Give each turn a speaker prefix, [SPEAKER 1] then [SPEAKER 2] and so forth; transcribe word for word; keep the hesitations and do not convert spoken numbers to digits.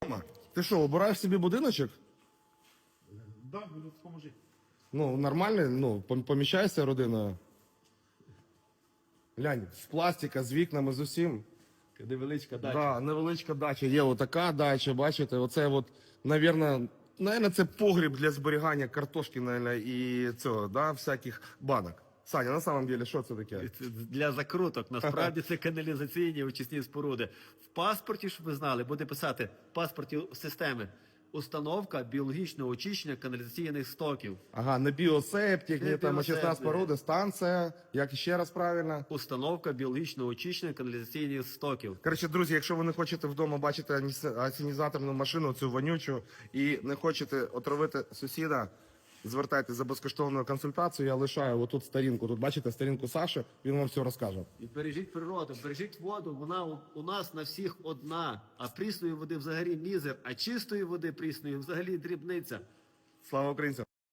[SPEAKER 1] Ти що, обираєш собі будиночок?
[SPEAKER 2] Да, буду допоможи.
[SPEAKER 1] Ну, нормальний, ну, пом- поміщаєшся родиною. Глянь, з пластика, з вікнами, з усім.
[SPEAKER 2] Невеличка дача.
[SPEAKER 1] Да, невеличка дача. Є отака дача, бачите, оце от, навірно, наверное, це погріб для зберігання картошки, наверное, і цього, да, всяких банок. Саня, на самом деле, що це таке?
[SPEAKER 2] Це для закруток. Насправді це каналізаційні очисні споруди. В паспорті, щоб ви знали, буде писати в паспорті системи установка біологічного очищення каналізаційних стоків.
[SPEAKER 1] Ага, не біосептик,
[SPEAKER 2] Не
[SPEAKER 1] не там очисна
[SPEAKER 2] біосептик.
[SPEAKER 1] споруда, станція, як ще раз правильно.
[SPEAKER 2] Установка біологічного очищення каналізаційних стоків.
[SPEAKER 1] Коротше, друзі, якщо ви не хочете вдома бачити аніс- асенізаторну машину, цю вонючу, і не хочете отравити сусіда, звертайтеся за безкоштовною консультацією. Я лишаю отут сторінку. Тут бачите сторінку Саші, він вам все розкаже.
[SPEAKER 2] І бережіть природу, бережіть воду, вона у, у нас на всіх одна. А прісної води взагалі мізер, а чистої води прісної взагалі дрібниця.
[SPEAKER 1] Слава українцям!